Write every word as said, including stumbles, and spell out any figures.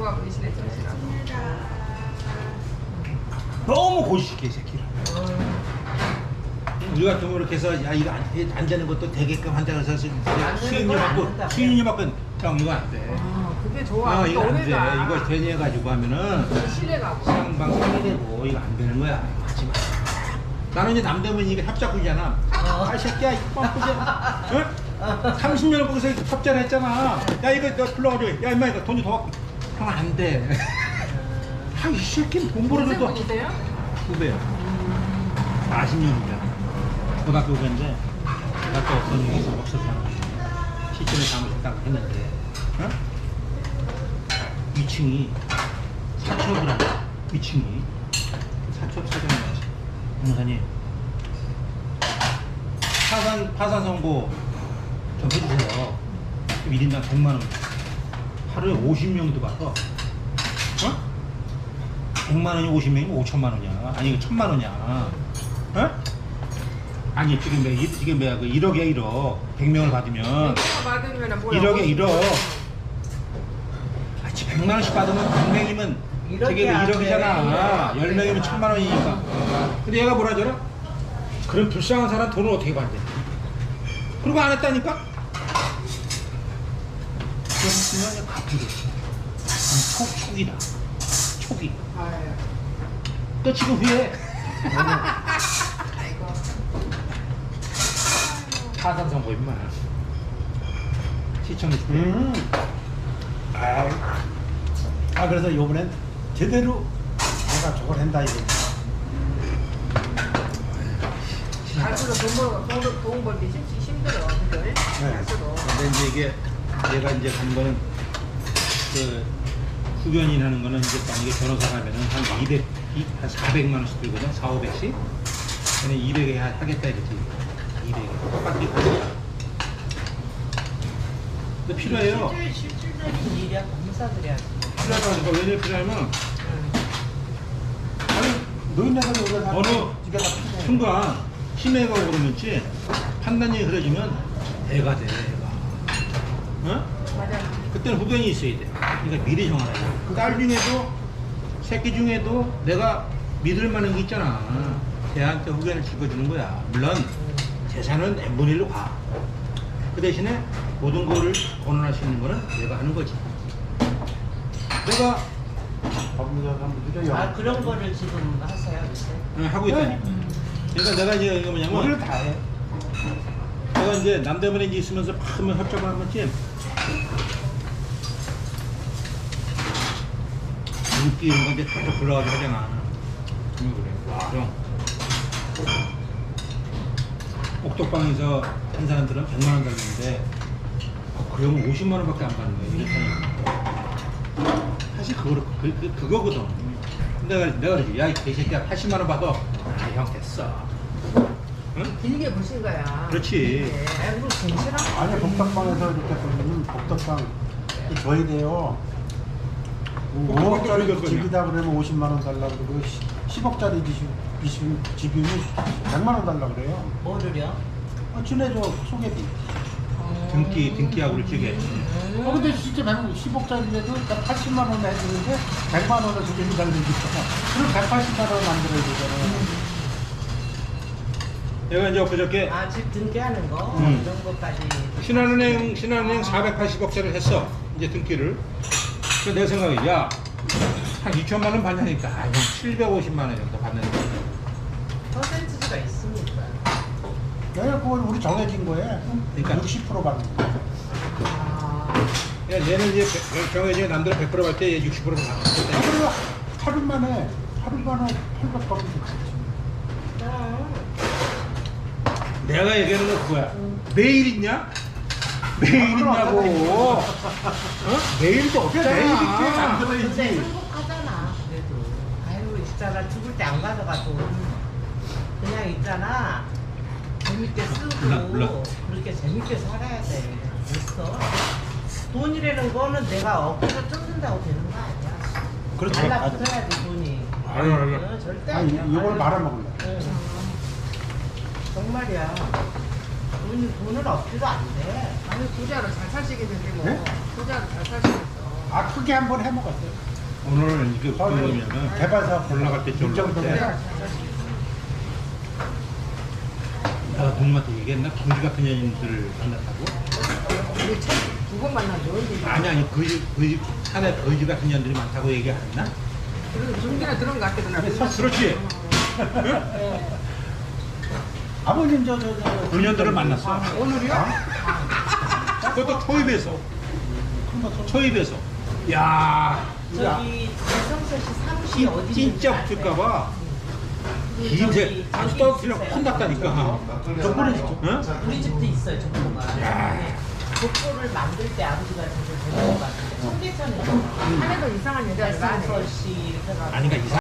들어가 버리시네 정신하고. 너무 고집시켜 이 새끼를. 우리 같은 거 이렇게 해서 야 이거 안, 안 되는 것도 되게끔 한다 그래서 수익료 받고 수익료 받고 형 이거 안 돼. 아 그게 좋아. 어, 이거 안 돼. 오래가. 이거 되니 해가지고 하면은 실내가고. 시장방 상해되고 이거 안 되는 거야. 하지 마. 나는 이제 남대문 이게 협작구잖아. 아, 이 새끼야, 이거 뻔뻔해. 응? 삼십 년을 거기서 협작을 했잖아. 야, 이거 너 불러가지고. 야, 임마, 이거 돈 좀 더 갖고. 형, 안 돼. 아, 이 새끼는 돈 벌어도 또. 분이세요? 후배야. 사십 년이야. 고등학교 후배인데, 내가 또 어떤 일이 없어서 시점에 잘못했다고 했는데, 어? 이 층이 사첩을 한다. 이 층이. 사첩 사장이야. 변호사님, 파산, 파산 선고 좀 해주세요. 일 인당 백만 원. 하루에 오십 명도 받아. 어? 백만 원이 오십 명이면 오천만 원이야. 아니, 이거 천만 원이야. 어? 아니, 지금 매, 지금 매, 그 일억에 일억. 백 명을 받으면. 받으면 뭐야? 일억에 일억. 아, 백만 원씩 받으면 백 명이면 저게 일억이잖아. 열 명이면 천만 원이니까. 근데 얘가 뭐라 하더라? 그런 불쌍한 사람 돈을 어떻게 받대? 그리고 안 했다니까? 그러면 갚으래. 촉, 촉이다. 촉이. 아유. 또 지금 후회. 아이고. 파산 선고 임마. 시청해 줄게. 음. 아, 아 그래서 요번엔 제대로 내가 저걸 한다 이거. 갈수록 돈 벌, 돈, 돈 벌기 쉽지 힘들어. 그죠? 네. 갈수록. 근데 이제 이게 얘가 이제 간 거는 그 후견인 하는 거는 이제 만약에 변호사 가면은 한 이백, 한 사백만 원씩 들거든. 사오백씩. 근데 이백에 하겠다 이랬지. 이백에. 똑같이 하겠다. 근데 필요해요. 실질, 실질적인 일이야. 검사들이 하지. 필요하다니까. 왜냐 필요하면 아니 노인네들 오래 살면 어느 이게 다 필요해. 순간 치매가 오고 그러면지 판단력이 흐려지면 애가 돼, 애가. 어? 맞아. 그때는 후견이 있어야 돼. 그러니까 미리 정하라. 딸 중에도, 새끼 중에도 내가 믿을 만한 게 있잖아. 걔한테 후견을 찍어주는 거야. 물론 재산은 n분의 일로 가. 그 대신에 모든 거를 권한할 수 있는 거는 내가 하는 거지. 내가 법무사 사무실에 아, 그런 거를 지금 하세요, 요새? 어, 하고 있다니. 그러니까 내가 이제 이거 우리를 뭐냐면 다 해. 내가 이제 남대문에 이제 있으면서 막 하면 협작을 한 번쯤 인기 이런 거 이제 쭉 불러가지고 하잖아. 응, 그래. 와, 형. 옥독방에서 한 사람들은 백만 원 달리는데 어, 그러면 오십만 원밖에 안 받는 거야. 이랬다니까. 사실 그거, 그, 그, 그거거든. 내가, 내가 그러지. 야, 이 개새끼야, 팔십만 원 받아. 아, 형, 됐어. 응? 길게 보신 거야. 그렇지. 네. 아이고 정신아. 아니 복덕방에서 이렇게 보면 복덕방 줘야 돼요. 오억짜리 집이다 그러면 오십만 원 달라고 그러고 십억짜리 집이면 백만 원 달라고 그래요. 뭐를요? 아, 친해져 소개비. 등기, 등기하고 그렇게. 어, 근데 진짜 십억짜리라도 팔십만 원 해주는데 백만 원을 소개비 달는 게 있잖아. 그럼 백팔십만 원 만들어야 되잖아. 내가 이제 엊그저께 아, 집 등기하는 거? 음. 이런 것까지. 신한은행, 신한은행 사백팔십억짜리를 했어. 이제 등기를. 그래서 내 생각에, 야, 한 이천만 원 받냐니까. 아, 형 칠백오십만 원 정도 받는데. 퍼센트가 있습니까? 내가 그걸 우리 정해진 거에 그러니까. 육십 퍼센트 받는 거야. 아. 야, 얘는 이제 정해진 남들은 백 퍼센트 받을 때 얘 육십 퍼센트 아, 받았대. 그래요. 하루 만에, 하루 만에 팔백 받으면 좋지. 내가 얘기하는 건 그거야. 매일 있냐? 매일 있냐고. 어? 매일도 없잖아. 매일 있지. 근데 만들어야지. 행복하잖아, 그래도. 아유, 있잖아. 죽을 때 안 가져가도. 그냥 있잖아. 재밌게 쓰고. 몰라, 몰라. 그렇게 재밌게 살아야 돼. 됐어. 돈이라는 거는 내가 어깨를 뜯는다고 되는 거 아니야. 그렇죠. 달라붙어야 돼, 돈이. 알아, 알아. 어, 절대 아니, 아니야. 이걸 말아먹을래. 응. 정말이야. 돈, 돈은 없지도 안 돼. 아니 부자로 잘 사시겠는데 뭐. 네? 부자로 잘 사시겠어. 아 크게 한번 해 먹었어요. 오늘 이거 어, 그러면은 개발사 올라갈 때 좀 올라갈 때 정도면 내가 동무한테 얘기했나? 공기 같은 년들 만났다고? 우리 두번 만나죠. 이제. 아니 아니 거지 거지 산에 거지 같은 년들이 많다고 얘기 안 했나? 그래도 중간에 들은 것 같거든. 그렇지. 아버님 저저저 그 년들을 만났어. 오늘이요? 그것도 초입에서. 초입에서. 야, 저기 이성철 씨 사무실이 어디 진, 진짜 붙을까봐. 김새 아주 떨어뜨려 혼났다니까. 저번에 응? 우리 집도 있어요, 족보가. 근데 족보를 만들 때 아버지가 저를 데려온 것 같은데 청계천에 하나도 이상한 여자를 많이 이성철 씨 이렇게 해가지고 아니 그러니까 이상.